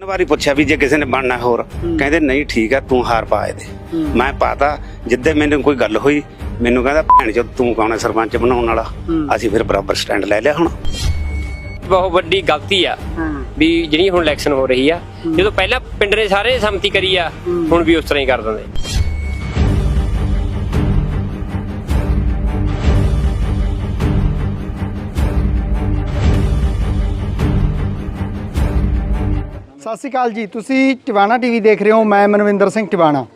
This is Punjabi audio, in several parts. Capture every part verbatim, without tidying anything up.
ਵਾਰੀ ਪੁੱਛਿਆ ਵੀ ਜੇ ਕਿਸੇ ਨੇ ਬਣਨਾ ਹੋਰ ਕਹਿੰਦੇ ਨਹੀਂ ਠੀਕ ਆ ਤੂੰ ਹਾਰ ਪਾ ਇਹਦੇ ਮੈਂ ਪਾਤਾ। ਜਿੱਦੇ ਮੈਨੂੰ ਕੋਈ ਗੱਲ ਹੋਈ ਮੈਨੂੰ ਕਹਿੰਦਾ ਭੈਣ ਚੋ ਤੂੰ ਕੌਣ ਹੈ ਸਰਪੰਚ ਬਣਾਉਣ ਵਾਲਾ। ਅਸੀਂ ਫਿਰ ਬਰਾਬਰ ਸਟੈਂਡ ਲੈ ਲਿਆ। ਹੁਣ ਬਹੁਤ ਵੱਡੀ ਗਲਤੀ ਆ ਵੀ ਜਿਹੜੀ ਹੁਣ ਇਲੈਕਸ਼ਨ ਹੋ ਰਹੀ ਆ, ਜਦੋਂ ਪਹਿਲਾਂ ਪਿੰਡ ਨੇ ਸਾਰੇ ਸੰਮਤੀ ਕਰੀ ਆ ਹੁਣ ਵੀ ਉਸ ਤਰ੍ਹਾਂ ਹੀ ਕਰ ਦਿੰਦੇ। ਸਤਿ ਸ਼੍ਰੀ ਅਕਾਲ ਜੀ, ਤੁਸੀਂ ਟਿਵਾਣਾ ਟੀਵੀ ਦੇਖ ਰਹੇ ਹੋ। ਮੈਂ ਮਨਵਿੰਦਰ ਸਿੰਘ ਟਿਵਾਣਾ।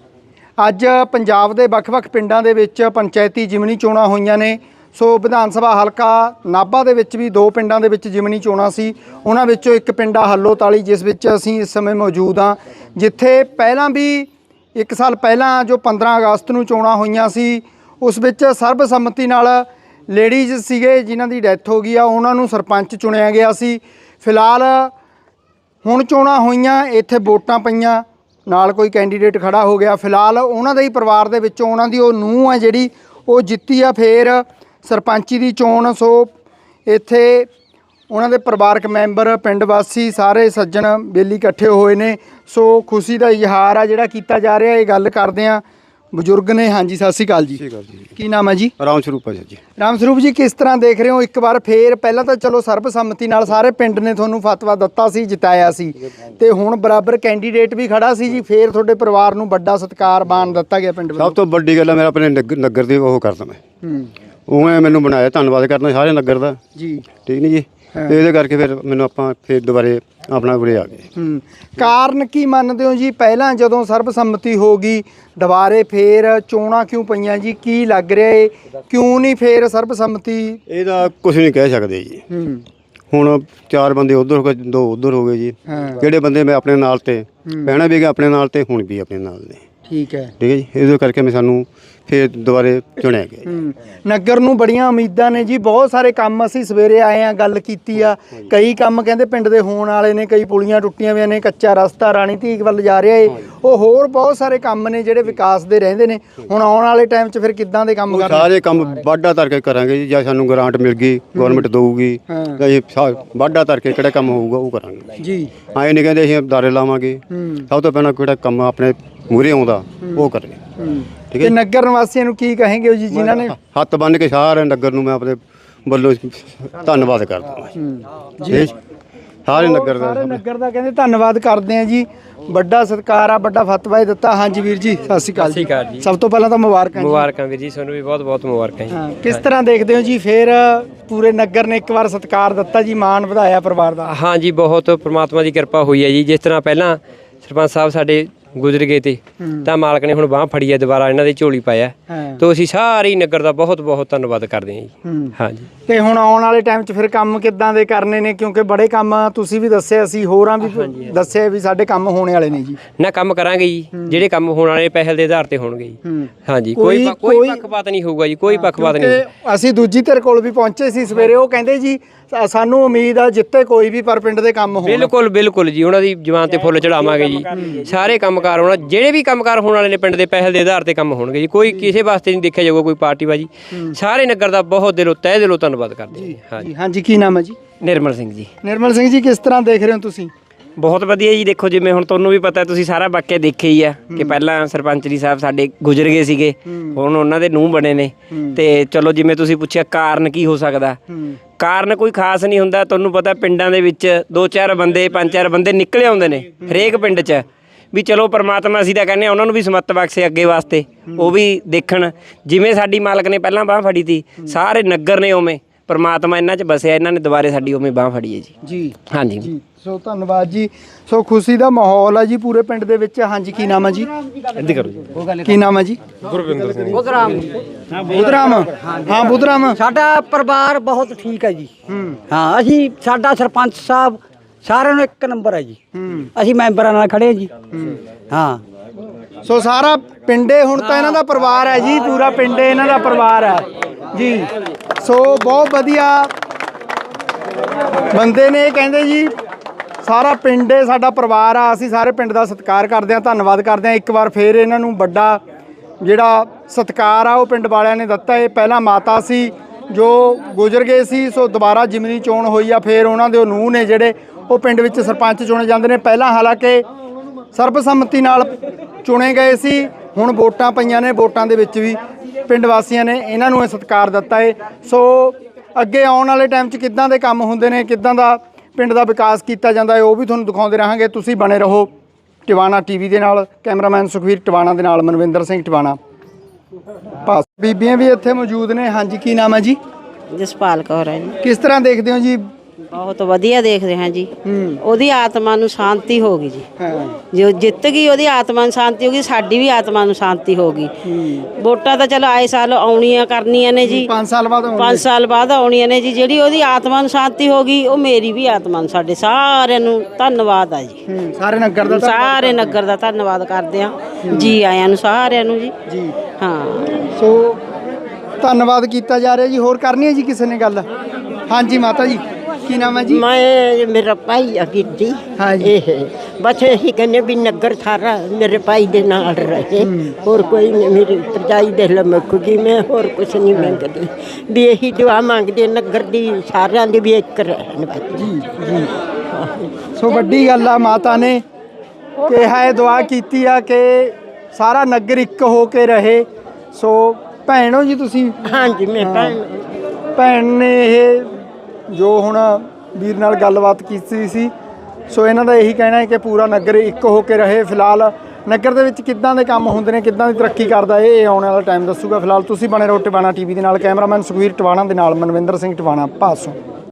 ਅੱਜ ਪੰਜਾਬ ਦੇ ਵੱਖ-ਵੱਖ ਪਿੰਡਾਂ ਦੇ ਵਿੱਚ ਪੰਚਾਇਤੀ ਜਿਮਨੀ ਚੋਣਾਂ ਹੋਈਆਂ ਨੇ। ਸੋ ਵਿਧਾਨ ਸਭਾ ਹਲਕਾ ਨਾਭਾ ਦੇ ਵਿੱਚ ਵੀ ਦੋ ਪਿੰਡਾਂ ਦੇ ਵਿੱਚ ਜਿਮਨੀ ਚੋਣਾਂ ਸੀ। ਉਹਨਾਂ ਵਿੱਚੋਂ ਇੱਕ ਪਿੰਡ ਆ ਹੱਲੋਤਾਲੀ, ਜਿਸ ਵਿੱਚ ਅਸੀਂ ਇਸ ਸਮੇਂ ਮੌਜੂਦ ਹਾਂ, ਜਿੱਥੇ ਪਹਿਲਾਂ ਵੀ ਇੱਕ ਸਾਲ ਪਹਿਲਾਂ ਜੋ ਪੰਦਰਾਂ ਅਗਸਤ ਨੂੰ ਚੋਣਾਂ ਹੋਈਆਂ ਸੀ ਉਸ ਵਿੱਚ ਸਰਬਸੰਮਤੀ ਨਾਲ ਲੇਡੀਜ਼ ਸੀਗੇ ਜਿਨ੍ਹਾਂ ਦੀ ਡੈਥ ਹੋ ਗਈ ਆ, ਉਹਨਾਂ ਨੂੰ ਸਰਪੰਚ ਚੁਣਿਆ ਗਿਆ ਸੀ। ਫਿਲਹਾਲ ਹੁਣ ਚੋਣਾਂ ਹੋਈਆਂ, ਇੱਥੇ ਵੋਟਾਂ ਪਈਆਂ, ਨਾਲ ਕੋਈ ਕੈਂਡੀਡੇਟ ਖੜਾ ਹੋ ਗਿਆ। ਫਿਲਹਾਲ ਉਹਨਾਂ ਦੇ ਹੀ ਪਰਿਵਾਰ ਦੇ ਵਿੱਚੋਂ ਉਹਨਾਂ ਦੀ ਉਹ ਨੂੰਹ ਹੈ ਜਿਹੜੀ ਉਹ ਜਿੱਤੀ ਆ ਫਿਰ ਸਰਪੰਚੀ ਦੀ ਚੋਣ। ਸੋ ਇੱਥੇ ਉਹਨਾਂ ਦੇ ਪਰਿਵਾਰਕ ਮੈਂਬਰ, ਪਿੰਡ ਵਾਸੀ, ਸਾਰੇ ਸੱਜਣ ਬੇਲੀ ਇਕੱਠੇ ਹੋਏ ਨੇ। ਸੋ ਖੁਸ਼ੀ ਦਾ ਇਜ਼ਹਾਰ ਆ ਜਿਹੜਾ ਕੀਤਾ ਜਾ ਰਿਹਾ। ਇਹ ਗੱਲ ਕਰਦੇ ਆ ਬਜ਼ੁਰਗ ਨੇ। ਹਾਂਜੀ, ਸਤਿ ਸ਼੍ਰੀ ਅਕਾਲ ਜੀ। ਕੀ ਨਾਮ ਹੈ ਜੀ? ਰਾਮ ਸਰੂਪ ਹੈ ਜੀ। ਰਾਮ ਸਰੂਪ ਜੀ, ਕਿਸ ਤਰ੍ਹਾਂ ਦੇਖ ਰਹੇ ਹੋ? ਇੱਕ ਵਾਰ ਫੇਰ ਪਹਿਲਾਂ ਤਾਂ ਚਲੋ ਸਰਬਸੰਮਤੀ ਨਾਲ ਸਾਰੇ ਪਿੰਡ ਨੇ ਤੁਹਾਨੂੰ ਫਤਵਾ ਦਿੱਤਾ ਸੀ, ਜਿਤਾਇਆ ਸੀ, ਤੇ ਹੁਣ ਬਰਾਬਰ ਕੈਂਡੀਡੇਟ ਵੀ ਖੜਾ ਸੀ ਜੀ। ਫੇਰ ਤੁਹਾਡੇ ਪਰਿਵਾਰ ਨੂੰ ਵੱਡਾ ਸਤਿਕਾਰ ਮਾਣ ਦਿੱਤਾ ਗਿਆ ਪਿੰਡ ਵੱਲੋਂ। ਸਭ ਤੋਂ ਵੱਡੀ ਗੱਲ ਹੈ ਮੇਰਾ ਆਪਣੇ ਨਗਰ ਦੀ ਉਹ ਕਰਦਾ ਮੈਂ ਹੂੰ ਉਵੇਂ ਮੈਨੂੰ ਬਣਾਇਆ। ਧੰਨਵਾਦ ਕਰਨਾ ਸਾਰੇ ਨਗਰ ਦਾ ਜੀ। ਠੀਕ ਨਹੀਂ ਜੀ। ਤੇ ਇਹਦੇ ਕਰਕੇ ਫਿਰ ਮੈਨੂੰ ਆਪਾਂ ਫਿਰ ਦੁਬਾਰੇ ਆਪਣਾ ਉਰੇ ਆ ਗਏ। ਹੂੰ ਕਾਰਨ ਕੀ ਮੰਨਦੇ ਹੋ ਜੀ? ਪਹਿਲਾਂ ਜਦੋਂ ਸਰਬਸੰਮਤੀ ਹੋ ਗਈ ਦੁਬਾਰੇ ਫੇਰ ਚੋਣਾਂ ਕਿਉਂ ਪਈਆਂ ਜੀ? ਕੀ ਲੱਗ ਰਿਹਾ ਏ ਕਿਉਂ ਨਹੀਂ ਫੇਰ ਸਰਬਸੰਮਤੀ? ਇਹਦਾ ਕੁਝ ਨਹੀਂ ਕਹਿ ਸਕਦੇ ਜੀ। ਹੂੰ ਹੁਣ ਚਾਰ ਬੰਦੇ ਉਧਰ ਹੋ ਗਏ, ਦੋ ਉਧਰ ਹੋ ਗਏ ਜੀ। ਜਿਹੜੇ ਬੰਦੇ ਮੈਂ ਆਪਣੇ ਨਾਲ ਤੇ ਪਹਿਣਾ ਵੀ ਗਿਆ ਆਪਣੇ ਨਾਲ ਤੇ ਹੁਣ ਵੀ ਆਪਣੇ ਨਾਲ ਨੇ। ਠੀਕ ਹੈ, ਠੀਕ ਹੈ ਜੀ। ਇਹਦੇ ਕਰਕੇ ਮੈਂ ਸਾਨੂੰ ਫਿਰ ਦੁਬਾਰੇ ਚੁਣਿਆ ਗਿਆ। ਨਗਰ ਨੂੰ ਬੜੀਆਂ ਉਮੀਦਾਂ ਨੇ ਜੀ। ਬਹੁਤ ਸਾਰੇ ਕੰਮ ਅਸੀਂ ਸਵੇਰੇ ਆਏ ਆ, ਗੱਲ ਕੀਤੀ ਆ। ਕਈ ਕੰਮ ਕਹਿੰਦੇ ਪਿੰਡ ਦੇ ਹੋਣ ਵਾਲੇ ਨੇ, ਕਈ ਪੁਲੀਆਂ ਟੁੱਟੀਆਂ ਹੋਈਆਂ ਨੇ, ਕੱਚਾ ਰਸਤਾ ਰਾਣੀ ਧੀਕ ਵੱਲ ਜਾ ਰਿਹਾ ਏ, ਉਹ ਹੋਰ ਬਹੁਤ ਸਾਰੇ ਕੰਮ ਨੇ ਜਿਹੜੇ ਵਿਕਾਸ ਦੇ ਰਹਿੰਦੇ ਨੇ। ਹੁਣ ਆਉਣ ਵਾਲੇ ਟਾਈਮ 'ਚ ਫਿਰ ਕਿੱਦਾਂ ਦੇ ਕੰਮ ਕਰਨੇ? ਸਾਰੇ ਕੰਮ ਵਾਢਾ ਧਰ ਕੇ ਕਰਾਂਗੇ ਜੀ। ਜਾਂ ਸਾਨੂੰ ਗ੍ਰਾਂਟ ਮਿਲ ਗਈ, ਗਵਰਨਮੈਂਟ ਦਊਗੀ, ਤਾਂ ਇਹ ਵਾਢਾ ਧਰ ਕੇ ਕਿਹੜਾ ਕੰਮ ਹੋਊਗਾ ਉਹ ਕਰਾਂਗੇ ਜੀ। ਐਂ ਨਹੀਂ ਕਹਿੰਦੇ ਅਸੀਂ ਦਾਰੇ ਲਾਵਾਂਗੇ। ਸਭ ਤੋਂ ਪਹਿਲਾਂ ਕਿਹੜਾ ਕੰਮ ਆਪਣੇ ਮੂਹਰੇ ਆਉਂਦਾ ਉਹ ਕਰੇ। ਠੀਕ ਹੈ। ਨਗਰ ਨਿਵਾਸੀਆਂ ਨੂੰ ਕੀ ਕਹੇਂਗੇ ਜੀ ਜਿਨ੍ਹਾਂ ਨੇ ਹੱਥ ਬੰਨ੍ਹ ਕੇ ਸਾਰੇ ਨਗਰ ਨੂੰ ਮੈਂ ਆਪਣੇ ਵੱਲੋਂ ਧੰਨਵਾਦ ਕਰਦਾ ਜੀ। ਸਾਰੇ ਨਗਰ ਦਾ ਸਾਰੇ ਨਗਰ ਦਾ ਕਹਿੰਦੇ ਧੰਨਵਾਦ ਕਰਦੇ ਆ ਜੀ। ਵੱਡਾ ਸਤਿਕਾਰ ਆ, ਵੱਡਾ ਫਤਵਾ ਦਿੱਤਾ। ਹਾਂਜੀ ਵੀਰ ਜੀ, ਸਤਿ ਸ਼੍ਰੀ ਅਕਾਲ ਜੀ। ਸਭ ਤੋਂ ਪਹਿਲਾਂ ਤਾਂ ਮੁਬਾਰਕਾਂ। ਮੁਬਾਰਕਾਂ ਵੀਰ ਜੀ, ਤੁਹਾਨੂੰ ਵੀ ਬਹੁਤ ਬਹੁਤ ਮੁਬਾਰਕਾਂ ਜੀ। ਕਿਸ ਤਰ੍ਹਾਂ ਦੇਖਦੇ ਹੋ ਜੀ? ਫਿਰ ਪੂਰੇ ਨਗਰ ਨੇ ਇੱਕ ਵਾਰ ਸਤਿਕਾਰ ਦਿੱਤਾ ਜੀ, ਮਾਣ ਵਧਾਇਆ ਪਰਿਵਾਰ ਦਾ। ਹਾਂ ਜੀ, ਬਹੁਤ ਪ੍ਰਮਾਤਮਾ ਦੀ ਕਿਰਪਾ ਹੋਈ ਹੈ ਜੀ। ਜਿਸ ਤਰ੍ਹਾਂ ਪਹਿਲਾਂ ਸਰਪੰਚ ਸਾਹਿਬ ਸਾਡੇ ਗੁਜ਼ਰ ਗਏ ਤੇ ਤਾਂ ਮਾਲਕ ਨੇ ਹੁਣ ਬਾਂਹ ਫੜੀ ਹੈ, ਦੁਬਾਰਾ ਇਹਨਾਂ ਦੇ ਝੋਲੀ ਪਾਇਆ। ਤਾਂ ਅਸੀਂ ਸਾਰੇ ਨਗਰ ਦਾ ਬਹੁਤ ਬਹੁਤ ਧੰਨਵਾਦ ਕਰਦੇ ਹਾਂ ਜੀ। ਹਾਂ ਜੀ। ਤੇ ਹੁਣ ਆਉਣ ਵਾਲੇ ਟਾਈਮ 'ਚ ਫਿਰ ਕੰਮ ਕਿੱਦਾਂ ਦੇ ਕਰਨੇ ਨੇ? ਕਿਉਂਕਿ ਬੜੇ ਕੰਮ ਤੁਸੀਂ ਵੀ ਦੱਸਿਆ, ਅਸੀਂ ਹੋਰਾਂ ਵੀ ਦੱਸਿਆ ਵੀ ਸਾਡੇ ਕੰਮ ਹੋਣੇ ਵਾਲੇ ਨੇ ਜੀ। ਨਾ ਕੰਮ ਕਰਾਂਗੇ ਜੀ, ਜਿਹੜੇ ਕੰਮ ਹੋਣ ਵਾਲੇ ਪਹਿਲ ਦੇ ਆਧਾਰ ਤੇ ਹੋਣਗੇ ਜੀ। ਹਾਂ ਜੀ, ਕੋਈ ਕੋਈ ਪੱਖਪਾਤ ਨਹੀਂ ਹੋਊਗਾ ਜੀ, ਕੋਈ ਪੱਖਪਾਤ ਨਹੀਂ। ਅਸੀਂ ਦੂਜੀ ਧਿਰ ਕੋਲ ਵੀ ਪਹੁੰਚੇ ਸੀ ਸਵੇਰੇ, ਉਹ ਕਹਿੰਦੇ ਜੀ ਸਾਨੂੰ ਉਮੀਦ ਆ ਜਿੱਤੇ ਕੋਈ ਵੀ ਪਰ ਪਿੰਡ ਦੇ ਕੰਮ ਹੋਣ। ਬਿਲਕੁਲ ਬਿਲਕੁਲ ਜੀ, ਉਹਨਾਂ ਦੀ ਜ਼ੁਬਾਨ ਤੇ ਫੁੱਲ ਚੜਾਵਾਂਗੇ ਜੀ। ਸਾਰੇ ਕੰਮਕਾਰ ਹੋਣਾ, ਜਿਹੜੇ ਵੀ ਕੰਮਕਾਰ ਹੋਣ ਵਾਲੇ ਨੇ ਪਿੰਡ ਦੇ ਪਹਿਲ ਦੇ ਆਧਾਰ ਤੇ ਕੰਮ ਹੋਣਗੇ ਜੀ। ਕੋਈ ਕਿਸੇ ਵਾਸਤੇ ਨਹੀਂ ਦੇਖਿਆ ਜਾਊਗਾ ਕੋਈ ਪਾਰਟੀਬਾਜੀ। ਸਾਰੇ ਨਗਰ ਦਾ ਬਹੁਤ ਦਿਲੋਂ ਤਹਿ ਦਿਲੋਂ ਧੰਨਵਾਦ ਕਰਦੇ ਹਾਂ ਜੀ। ਹਾਂਜੀ, ਕੀ ਨਾਮ ਹੈ ਜੀ? ਨਿਰਮਲ ਸਿੰਘ ਜੀ। ਨਿਰਮਲ ਸਿੰਘ ਜੀ, ਕਿਸ ਤਰ੍ਹਾਂ ਦੇਖ ਰਹੇ ਹੋ ਤੁਸੀਂ? ਬਹੁਤ ਵਧੀਆ ਜੀ। ਦੇਖੋ, ਜਿਵੇਂ ਹੁਣ ਤੁਹਾਨੂੰ ਵੀ ਪਤਾ, ਤੁਸੀਂ ਸਾਰਾ ਵਾਕਿਆ ਦੇਖਿਆ ਹੀ ਆ ਕਿ ਪਹਿਲਾਂ ਸਰਪੰਚ ਜੀ ਸਾਹਿਬ ਸਾਡੇ ਗੁਜ਼ਰ ਗਏ ਸੀਗੇ, ਹੁਣ ਉਹਨਾਂ ਦੇ ਨੂੰਹ ਬਣੇ ਨੇ। ਤੇ ਚਲੋ, ਜਿਵੇਂ ਤੁਸੀਂ ਪੁੱਛਿਆ ਕਾਰਨ ਕੀ ਹੋ ਸਕਦਾ, ਕਾਰਨ ਕੋਈ ਖਾਸ ਨਹੀਂ ਹੁੰਦਾ। ਤੁਹਾਨੂੰ ਪਤਾ ਪਿੰਡਾਂ ਦੇ ਵਿੱਚ ਦੋ ਚਾਰ ਬੰਦੇ, ਪੰਜ ਚਾਰ ਬੰਦੇ ਨਿਕਲੇ ਆਉਂਦੇ ਨੇ ਹਰੇਕ ਪਿੰਡ 'ਚ ਵੀ ਚਲੋ ਪਰਮਾਤਮਾ ਅਸੀਂ ਤਾਂ ਕਹਿੰਦੇ ਹਾਂ ਉਹਨਾਂ ਨੂੰ ਵੀ ਸਮੱਤ ਬਖਸ਼ੇ ਅੱਗੇ ਵਾਸਤੇ, ਉਹ ਵੀ ਦੇਖਣ। ਜਿਵੇਂ ਸਾਡੀ ਮਾਲਕ ਨੇ ਪਹਿਲਾਂ ਬਾਂਹ ਫੜੀ ਤੀ, ਸਾਰੇ ਨਗਰ ਨੇ ਉਵੇਂ ਪਰਮਾਤਮਾ ਇਹਨਾਂ 'ਚ ਬਸਿਆ, ਇਹਨਾਂ ਨੇ ਦੁਬਾਰੇ ਸਾਡੀ ਉਵੇਂ ਬਾਂਹ ਫੜੀ ਹੈ ਜੀ। ਜੀ ਹਾਂਜੀ ਜੀ। ਸੋ ਧੰਨਵਾਦ ਜੀ। ਸੋ ਖੁਸ਼ੀ ਦਾ ਮਾਹੌਲ ਹੈ ਜੀ ਪੂਰੇ ਪਿੰਡ ਦੇ ਵਿੱਚ। ਹਾਂਜੀ, ਕੀ ਨਾਮ ਹੈ ਜੀ? ਇੱਦਾਂ ਕਰੋ ਜੀ। ਕੀ ਨਾਮ ਹੈ ਜੀ? ਗੁਰਵਿੰਦਰ ਸਿੰਘ। ਬੁੱਧਰਾਮ। ਬੁੱਧਰਾਮ। ਹਾਂ ਬੁੱਧਰਾਮ। ਸਾਡਾ ਪਰਿਵਾਰ ਬਹੁਤ ਠੀਕ ਹੈ ਜੀ। ਹਾਂ, ਅਸੀਂ ਸਾਡਾ ਸਰਪੰਚ ਸਾਹਿਬ ਸਾਰਿਆਂ ਨੂੰ ਇੱਕ ਨੰਬਰ ਹੈ ਜੀ। ਅਸੀਂ ਮੈਂਬਰਾਂ ਨਾਲ ਖੜੇ ਜੀ। ਹਾਂ, ਸੋ ਸਾਰਾ ਪਿੰਡੇ ਹੁਣ ਤਾਂ ਇਹਨਾਂ ਦਾ ਪਰਿਵਾਰ ਹੈ ਜੀ, ਪੂਰਾ ਪਿੰਡੇ ਇਹਨਾਂ ਦਾ ਪਰਿਵਾਰ ਹੈ ਜੀ। ਸੋ ਬਹੁਤ ਵਧੀਆ ਬੰਦੇ ਨੇ, ਕਹਿੰਦੇ ਜੀ ਸਾਰਾ ਪਿੰਡ ਸਾਡਾ ਪਰਿਵਾਰ ਆ, ਅਸੀਂ ਸਾਰੇ ਪਿੰਡ ਦਾ ਸਤਿਕਾਰ ਕਰਦੇ ਹਾਂ, ਧੰਨਵਾਦ ਕਰਦੇ ਹਾਂ। ਇੱਕ ਵਾਰ ਫੇਰ ਇਹਨਾਂ ਨੂੰ ਵੱਡਾ ਜਿਹੜਾ ਸਤਿਕਾਰ ਆ ਉਹ ਪਿੰਡ ਵਾਲਿਆਂ ਨੇ ਦਿੱਤਾ। ਇਹ ਪਹਿਲਾਂ ਮਾਤਾ ਸੀ ਜੋ ਗੁਜ਼ਰ ਗਏ ਸੀ, ਸੋ ਦੁਬਾਰਾ ਜਿਮਨੀ ਚੋਣ ਹੋਈ ਆ। ਫਿਰ ਉਹਨਾਂ ਦੇ ਉਹ ਨੂੰਹ ਨੇ ਜਿਹੜੇ ਉਹ ਪਿੰਡ ਵਿੱਚ ਸਰਪੰਚ ਚੁਣੇ ਜਾਂਦੇ ਨੇ। ਪਹਿਲਾਂ ਹਾਲਾਂਕਿ ਸਰਬਸੰਮਤੀ ਨਾਲ ਚੁਣੇ ਗਏ ਸੀ, ਹੁਣ ਵੋਟਾਂ ਪਈਆਂ ਨੇ, ਵੋਟਾਂ ਦੇ ਵਿੱਚ ਵੀ ਪਿੰਡ ਵਾਸੀਆਂ ਨੇ ਇਹਨਾਂ ਨੂੰ ਇਹ ਸਤਿਕਾਰ ਦਿੱਤਾ ਹੈ। ਸੋ ਅੱਗੇ ਆਉਣ ਵਾਲੇ ਟਾਈਮ 'ਚ ਕਿੱਦਾਂ ਦੇ ਕੰਮ ਹੁੰਦੇ ਨੇ, ਕਿੱਦਾਂ ਦਾ ਪਿੰਡ ਦਾ ਵਿਕਾਸ ਕੀਤਾ ਜਾਂਦਾ ਹੈ, ਉਹ ਵੀ ਤੁਹਾਨੂੰ ਦਿਖਾਉਂਦੇ ਰਹਾਂਗੇ। ਤੁਸੀਂ ਬਣੇ ਰਹੋ ਟਿਵਾਣਾ ਟੀਵੀ ਦੇ ਨਾਲ। ਕੈਮਰਾਮੈਨ ਸੁਖਵੀਰ ਟਿਵਾਣਾ ਦੇ ਨਾਲ ਮਨਵਿੰਦਰ ਸਿੰਘ ਟਿਵਾਣਾ। ਬਸ ਬੀਬੀਆਂ ਵੀ ਇੱਥੇ ਮੌਜੂਦ ਨੇ। ਹਾਂਜੀ, ਕੀ ਨਾਮ ਹੈ ਜੀ? ਜਸਪਾਲ ਕੌਰ ਹੈ ਜੀ। ਕਿਸ ਤਰ੍ਹਾਂ ਦੇਖਦੇ ਹੋ ਜੀ? ਬਹੁਤ ਵਧੀਆ ਦੇਖਦੇ ਹਾਂ ਜੀ। ਉਹਦੀ ਆਤਮਾ ਨੂੰ ਸ਼ਾਂਤੀ ਹੋ ਗਈ ਜੀ। ਹਾਂ, ਜੋ ਜਿੱਤ ਗਈ ਉਹਦੀ ਆਤਮਾ ਨੂੰ ਸ਼ਾਂਤੀ ਹੋ ਗਈ, ਸਾਡੀ ਵੀ ਆਤਮਾ ਨੂੰ ਸ਼ਾਂਤੀ ਹੋ ਗਈ। ਵੋਟਾਂ ਤਾਂ ਚਲੋ ਆਏ ਸਾਲ ਆਉਣੀਆਂ ਕਰਨੀਆਂ ਨੇ ਜੀ, ਪੰਜ ਸਾਲ ਬਾਅਦ ਆਉਣਗੇ। ਪੰਜ ਸਾਲ ਬਾਅਦ ਆਉਣੀਆਂ ਨੇ ਜੀ। ਜਿਹੜੀ ਉਹਦੀ ਆਤਮਾ ਨੂੰ ਸ਼ਾਂਤੀ ਹੋ ਗਈ, ਉਹ ਮੇਰੀ ਵੀ ਆਤਮਾ ਨੂੰ, ਸਾਡੇ ਸਾਰਿਆਂ ਨੂੰ ਧੰਨਵਾਦ ਆ ਜੀ। ਹੂੰ, ਸਾਰੇ ਨਗਰ ਦਾ ਸਾਰੇ ਨਗਰ ਦਾ ਧੰਨਵਾਦ ਕਰਦੇ ਆ ਜੀ, ਆਇਆਂ ਨੂੰ ਸਾਰਿਆਂ ਨੂੰ ਜੀ। ਜੀ ਹਾਂ, ਸੋ ਧੰਨਵਾਦ ਕੀਤਾ ਜਾ ਰਿਹਾ ਜੀ। ਹੋਰ ਕਰਨੀ ਹੈ ਜੀ ਕਿਸੇ ਨੇ ਗੱਲ? ਹਾਂਜੀ ਮਾਤਾ ਜੀ, ਕੀ ਨਾਮ ਹੈ ਜੀ? ਮੈਂ ਮੇਰਾ ਭਾਈ ਆ ਗਿੱਦੀ। ਹਾਂਜੀ। ਇਹ ਬਸ ਇਹੀ ਕਹਿੰਦੇ ਵੀ ਨਗਰ ਸਾਰਾ ਮੇਰੇ ਭਾਈ ਦੇ ਨਾਲ ਰਹੇ, ਹੋਰ ਕੋਈ ਨਹੀਂ। ਮੇਰੀ ਭਰਜਾਈ ਦੇ ਲਮਕ ਗਈ, ਮੈਂ ਹੋਰ ਕੁਛ ਨਹੀਂ ਮੰਗਦੀ, ਵੀ ਇਹੀ ਦੁਆ ਮੰਗਦੇ ਨਗਰ ਦੀ ਸਾਰਿਆਂ ਦੀ ਵੀ ਇੱਕ ਰਹਿਣ ਬਸ। ਜੀ ਜੀ ਸੋ ਵੱਡੀ ਗੱਲ ਆ, ਮਾਤਾ ਨੇ ਕਿਹਾ ਹੈ, ਦੁਆ ਕੀਤੀ ਆ ਕਿ ਸਾਰਾ ਨਗਰ ਇੱਕ ਹੋ ਕੇ ਰਹੇ। ਸੋ ਭੈਣ ਹੋ ਜੀ ਤੁਸੀਂ? ਹਾਂਜੀ, ਮੈਂ ਭੈਣ। ਭੈਣ ਨੇ ਇਹ ਜੋ ਹੁਣ ਵੀਰ ਨਾਲ ਗੱਲਬਾਤ ਕੀਤੀ ਸੀ, ਸੋ ਇਹਨਾਂ ਦਾ ਇਹੀ ਕਹਿਣਾ ਹੈ ਕਿ ਪੂਰਾ ਨਗਰ ਇੱਕ ਹੋ ਕੇ ਰਹੇ। ਫਿਲਹਾਲ ਨਗਰ ਦੇ ਵਿੱਚ ਕਿੱਦਾਂ ਦੇ ਕੰਮ ਹੁੰਦੇ ਨੇ, ਕਿੱਦਾਂ ਦੀ ਤਰੱਕੀ ਕਰਦਾ ਇਹ ਆਉਣ ਵਾਲਾ ਟਾਈਮ ਦੱਸੂਗਾ। ਫਿਲਹਾਲ ਤੁਸੀਂ ਬਣੇ ਰਹੋ ਟਿਵਾਣਾ ਟੀਵੀ ਦੇ ਨਾਲ। ਕੈਮਰਾਮੈਨ ਸੁਖਵੀਰ ਟਿਵਾਣਾ ਦੇ ਨਾਲ ਮਨਵਿੰਦਰ ਸਿੰਘ ਟਿਵਾਣਾ, ਭਾਸੋਂ।